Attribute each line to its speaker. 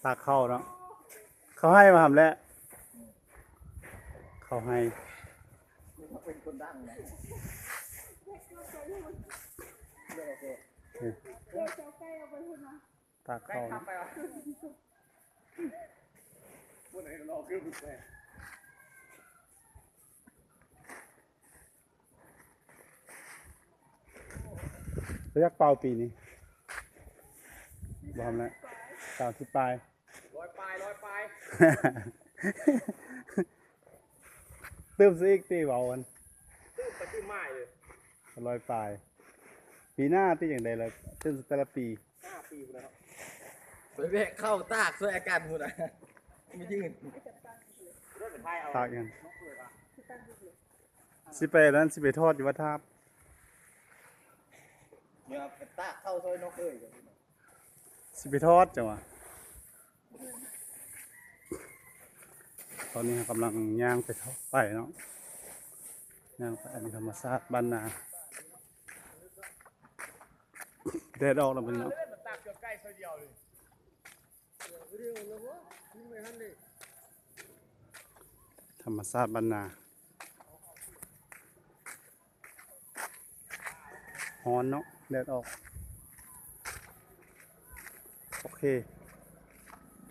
Speaker 1: ตากเข้าเนาะเขาให้มาทำแล้วเขาให้
Speaker 2: เป็นคนดังนะ
Speaker 1: ตากเข้าเนาะ
Speaker 2: วันไหนเราขึ้นไป
Speaker 1: ระยะเป่าปีนี้บอมแล้ว30 ปลาย
Speaker 2: ลอยปลาย
Speaker 1: ตื้มซะอีกตีเบากัน
Speaker 2: ตื้อไปตื้อไม้เลย
Speaker 1: 100 ปลายปีหน้าตีอย่างใดเลยตื้มแต่ละปี
Speaker 2: 5 ปีแล้วไปแวะเข้าตากช่วยอาการหมดอ่ะไม่ยืน
Speaker 1: ตากยังสิไปนั้นสิไปทอดอยู่วัดทาบ
Speaker 2: เนี่ยไปตากเข้าซอยนกเอ้ย
Speaker 1: สิไปทอดจังวะตอนนี้กำลังย่างไปทอดไปเนาะย่างไปอันนี้ธรรมชาติบ้านนาแดดออกแล้วมันเนาะ
Speaker 2: ตากเกือบใกล้ซอยเดียวเลย
Speaker 1: ธรรมชาติบ้านนาฮ้อนเนาะแดดออกโอเค